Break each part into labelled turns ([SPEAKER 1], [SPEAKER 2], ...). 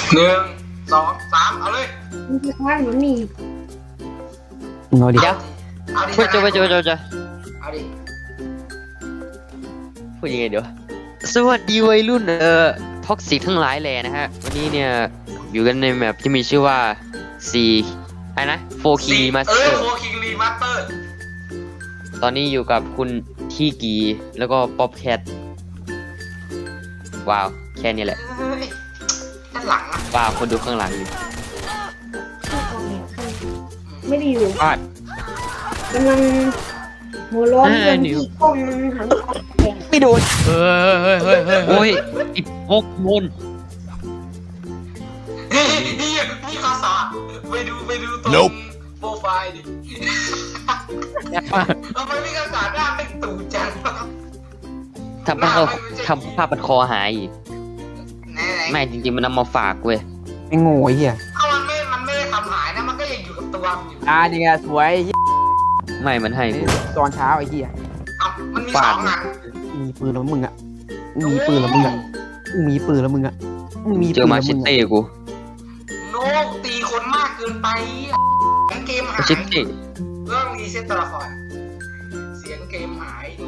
[SPEAKER 1] 1 2 3เอาเลย
[SPEAKER 2] มันจะว่ามันมี
[SPEAKER 3] เอาดิ
[SPEAKER 4] เดี๋ยว
[SPEAKER 1] เอาดิ
[SPEAKER 4] พูดจะ
[SPEAKER 1] เอาดิ
[SPEAKER 4] พูดยังไงเดี๋ยวสวัสดีวัยรุ่นท็อกซิกทั้งหลายแหล่นะฮะวันนี้เนี่ยอยู่กันในแมปที่มีชื่อว่าอะไรนะ4 Key Master
[SPEAKER 1] 4 King Remaster
[SPEAKER 4] ตอนนี้อยู่กับคุณที่กีแล้วก็ป๊อปแคทว้าวแค่นี้แหละ
[SPEAKER 1] เฮ้ยด้านหลังอะ
[SPEAKER 4] ว้าวคนดูข้างหลังอยู่
[SPEAKER 2] ไม่ได้อยู่
[SPEAKER 4] พลาด
[SPEAKER 2] กำลังหัวร้อนเรื่องที่กล้องมันหันแดง
[SPEAKER 3] ไม่โดน
[SPEAKER 4] เฮ้ยโอ้ยอีพกมน
[SPEAKER 1] นี่ข้อสอบไปดูตรงโปรไฟล์ดิทำไมไม่ข้อสอบหน้าเป็นตู่จัง
[SPEAKER 4] ทำผ้าพันคอหายอีก
[SPEAKER 1] ไหน
[SPEAKER 4] ไม่จริงๆมันนำมาฝากเว้ย
[SPEAKER 3] ไอ้โง่ไอ้เหี้ย
[SPEAKER 1] เอามันไม่ได้ทำหายนะมันก็ยังอยู่กับตัวมันอยู่
[SPEAKER 3] นี่ไงสวยไอ้เหี้ย
[SPEAKER 4] ไม่มันให้กู
[SPEAKER 3] ตอนเช้าไอ้เหี้ย
[SPEAKER 1] เอามันมี2อัน
[SPEAKER 3] มีปืนแล้วมึงอ่ะมีปืนแล้วมึงอ่ะมีปืนแล้วมึงอ่ะมี
[SPEAKER 4] เจอมาชิเต้กู
[SPEAKER 1] โนตีคนมากเกินไปเกมหาย
[SPEAKER 4] ชิเต้
[SPEAKER 1] เรื่องรีเซ็ตตัวละครเสียงเกมหายโน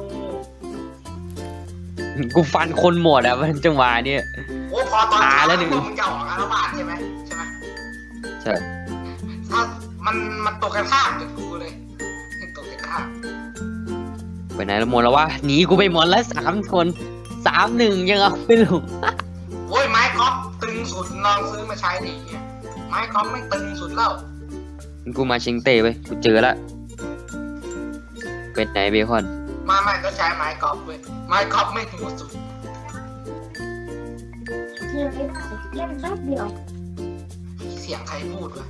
[SPEAKER 4] กูฟันคนหมดอ่ะมันจังหวะเนี่ย
[SPEAKER 1] โอ้พอตอน
[SPEAKER 4] ตายแล้วหนึ่ง
[SPEAKER 1] มึงจะออกอาละวาดใช่ไหม
[SPEAKER 4] ใช่
[SPEAKER 1] ถ้ามันตกกันข้ามกับกูเลยตกกันข้าม
[SPEAKER 4] ไปไหนแล้วหมดแล้ววะหนีกูไปหมดแล้ว3 คน3-1ยังเอาไม่ลง
[SPEAKER 1] โอ้ยไม้กอล์ฟตึงสุดลองซื้อมาใช้ดิเนี่ยไม้กอล์ฟไม่ตึงสุดแล้ว
[SPEAKER 4] กูมาชิงเต้ไปกูเจอละเป็นไหนเบคอน
[SPEAKER 1] มาก็ใช้ไม้กอล์ฟเว้ยไม้กอล์ฟไม่หัวสุด
[SPEAKER 2] เล่นไม่ได้เล่นแป๊บเดียว
[SPEAKER 1] เสียงใครพูดวะ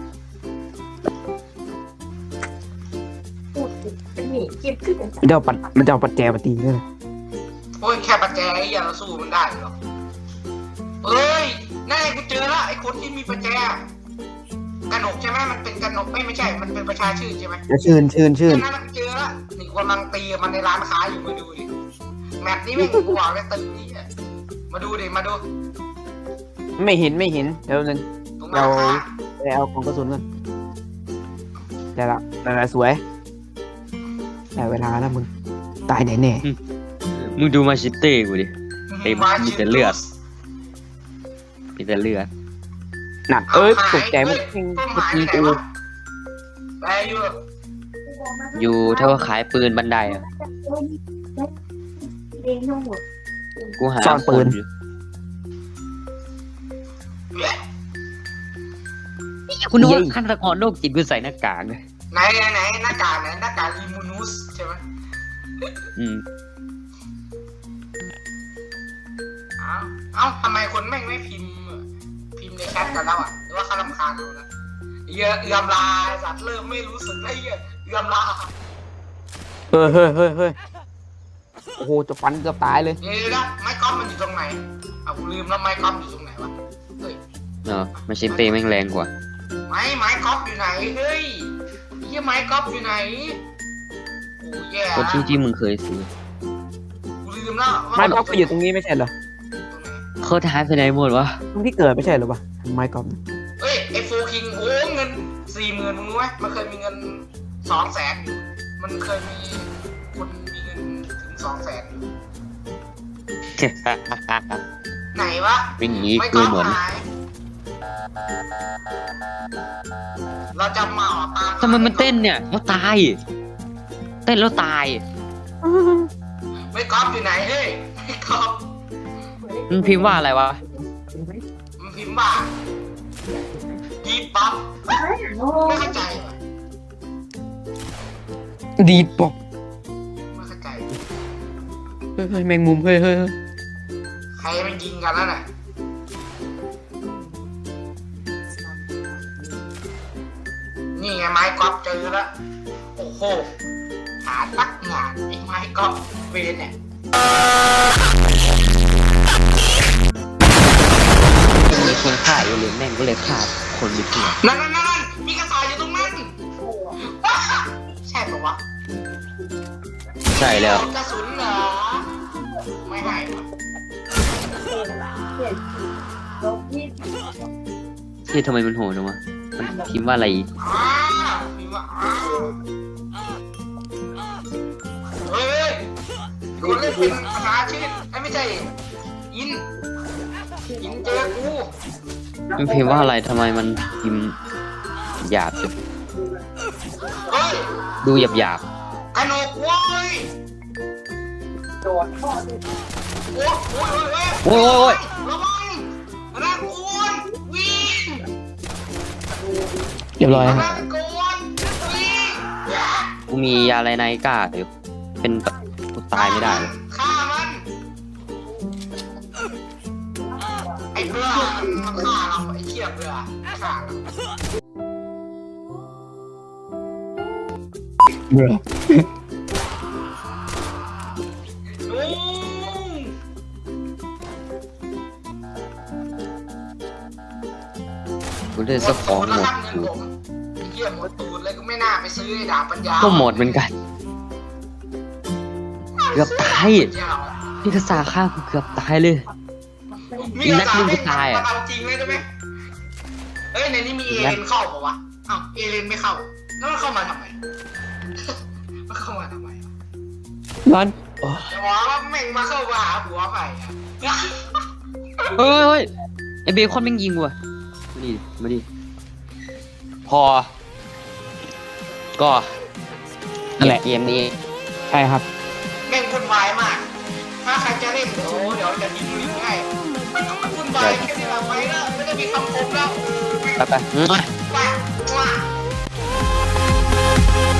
[SPEAKER 2] พูดติดเป็นหนีเก็บขึ้น
[SPEAKER 3] มันจะเอาปัดแจมาตีด้วย
[SPEAKER 1] โอ้ยแค่ประแจไอ้เหี้ยเราสู้มันได้เหรอเอ้ยนั่นไงกูเจอละไอ้คนที่มีประแจกระหนกใช่ไหมมันเป็นกระหนกไม่ใช่มันเป็นประชาชื่นใช่ไหม
[SPEAKER 3] ชื่น
[SPEAKER 1] นั่นกูเจอละนี่กำลังตีมันในร้านค้าอยู่มาดูดิแมปนี้แม่งกูบอกเลยตึงนี่อะมาดูดิมาดู
[SPEAKER 3] ไม่เห็นเดี๋ยวนึง
[SPEAKER 1] ตรงร้านค้า
[SPEAKER 3] ไปเอาของกระสุนก่อนได้ละนั่นแหละสวยได้เวลาแล้วมึงตายแน่
[SPEAKER 4] มึงดูมาชิเต้กูดิเต็มมีแต่เลือดมีแต่เลือด
[SPEAKER 3] หนักตกใจมึง
[SPEAKER 1] ต้น
[SPEAKER 3] เมื่อ
[SPEAKER 1] ไม้
[SPEAKER 3] กี้
[SPEAKER 1] ไหน
[SPEAKER 3] กู
[SPEAKER 1] วะไปอยู่
[SPEAKER 4] อยู่ถ้าว่าขายปืนบันไดอ่ะ
[SPEAKER 2] เองทั้งหมด
[SPEAKER 4] กูหาคนอยู่คุณนึกว่าฆาตกรโรคจิตกูใส่หน้ากากเลย
[SPEAKER 1] ไหนหน้ากากอิมูนูสใช่ไหม
[SPEAKER 4] อืม
[SPEAKER 1] เอ้าทำไมคนแม่งไม่พิมพ์ในแชทกันแล้วอ่ะหรือว่าเขารำคาญเราแล้วเอื้อมลาสัตว์เริ่มไม่รู้สึกแล้วเอื้อมลา
[SPEAKER 3] เฮ้ยโอ้โหจะฟันเกือบตายเลย
[SPEAKER 1] เดี๋ยวนะไม้กอล์ฟมันอยู่ตรงไหนเอากูลืมแล้วไม้กอล์ฟอยู่ตรงไหนวะเฮ้ย
[SPEAKER 4] เนาะมาชิเต้แม่งแรงกว่า
[SPEAKER 1] ไม้กอล์ฟอยู่ไหนเฮ้ยไม้กอล์ฟอยู่ไหนโอ้แย่
[SPEAKER 4] คนที่มึงเคยซื้อ
[SPEAKER 1] กูลืมแล้ว
[SPEAKER 3] ไม้กอล์ฟไปอยู่ตรงนี้ไม่ใช่เหรอ
[SPEAKER 4] เขาหายไปไหนหมดวะ
[SPEAKER 3] ตรงที่เกิดไม่ใช่เหรอวะไม้กอล์ฟ
[SPEAKER 1] เฮ้ยไอ้โฟคิงโอ้เงิน40,000มึงรู้ไหมมันเคยมีเงิน200,000อยู่มันเคยมีคนมีเงินถึง200,000อยู่ไหนวะ
[SPEAKER 4] วิ่งหนี
[SPEAKER 1] ไม่
[SPEAKER 4] กู
[SPEAKER 1] ก็
[SPEAKER 4] หมด
[SPEAKER 1] หายเราจะมาออกตาม
[SPEAKER 4] ทำไมมันเต้นเนี่ยเขาตาย เต้นแล้วตาย
[SPEAKER 1] ไม่กอล์ฟอยู่ไหนเฮ้ยไม่กอล์ฟ
[SPEAKER 4] มันพิมพ์ว่าอะไรวะ
[SPEAKER 1] มันพิมพ์ว่าดีป๊อปไม่เข้าใจว่ะ
[SPEAKER 3] ดีดบอก
[SPEAKER 1] ไม่เข้าใจ
[SPEAKER 3] เฮ้ยแมงมุมเฮ้ย
[SPEAKER 1] ใครมันยิงกันแล้วน่ะนี่ไงไม้กอล์ฟเจอแล้วโอ้โหหาตักงานไอ้ไม้กอล์ฟเวนเนี่ย
[SPEAKER 4] มีคนฆ่าอยู่เลยแม่งก็เลยฆ่าคนไปทั่ว
[SPEAKER 1] นั่นมีกระต่ายอยู่ตรงนั้นว้าใช่ปะวะ
[SPEAKER 4] ใช่แล้ว
[SPEAKER 1] กระสุนเหรอไม่ให้วะ
[SPEAKER 4] ที่ทำไมมันโหดจังวะมันพิมพ์ว่าอะไรอีก
[SPEAKER 1] มีว่าเฮ้ยคนเล่นเป็นภาษาชื่อไอ้ไม่ใช่อินเจอกู
[SPEAKER 4] มันพิมพ์ว่าอะไรทำไมมันพิมพ์หยาบจัง
[SPEAKER 1] เฮ้ย
[SPEAKER 4] ดูหยาบหยาบ
[SPEAKER 1] กระหนกเว้ยโอ้ย
[SPEAKER 4] โอ้ย
[SPEAKER 1] ระวังนะคุณวิ่ง
[SPEAKER 3] เรียบร้อย
[SPEAKER 1] นะ
[SPEAKER 3] ฮะ
[SPEAKER 1] คุณวิ่ง
[SPEAKER 4] กูมียาอะไรในกล้าอยู่เป็นกูตายไม่ได้เลย
[SPEAKER 1] ฆ่ามันไอ้เบื่อมันฆ่าเราไอ้เชี่ยเบื่อฆ่าเรา
[SPEAKER 3] เบื่อ
[SPEAKER 1] ลุง
[SPEAKER 4] กูได้สักของหมด
[SPEAKER 1] ตูดไอ้เหี้ยหมดตูดเลยก็ไม่น่าไปซื้อไอ้ดาบปัญญา
[SPEAKER 4] ก็หมดเหมือนกันเกือบตายพี่กษาฆ่ากูเกือบตายเลย
[SPEAKER 1] มีกระ
[SPEAKER 4] นัดหนึ่งกูตายอะ
[SPEAKER 1] เอาจริงเลยได้ไหมเอ้ยในนี้มีเอเลนเข้าเปล่าวะอ้าวเอเลนไม่เข้าแล้วมันเข้ามาทำไม มันเข้ามาทำไม
[SPEAKER 3] ร้อน
[SPEAKER 1] จะบอกว่าแม่งมาเข้ามาหาหัวไปอ่ะ
[SPEAKER 4] เฮ้ยไอเบคอนแม่งยิงว่ะมาดิพอ ก็
[SPEAKER 3] นั่นแหละ
[SPEAKER 4] เกมนี้
[SPEAKER 3] ใช่ครับ
[SPEAKER 1] แม่งวุ่นวายมาก ถ้าใครจะเล่นเดี๋ยวจะทิ้งลิงก์ให้มันก็มันวุ่นวายแค่นี้ละไปแล้วไม่ได้มีคำคมแล้ว
[SPEAKER 4] ไป
[SPEAKER 1] ไปว่า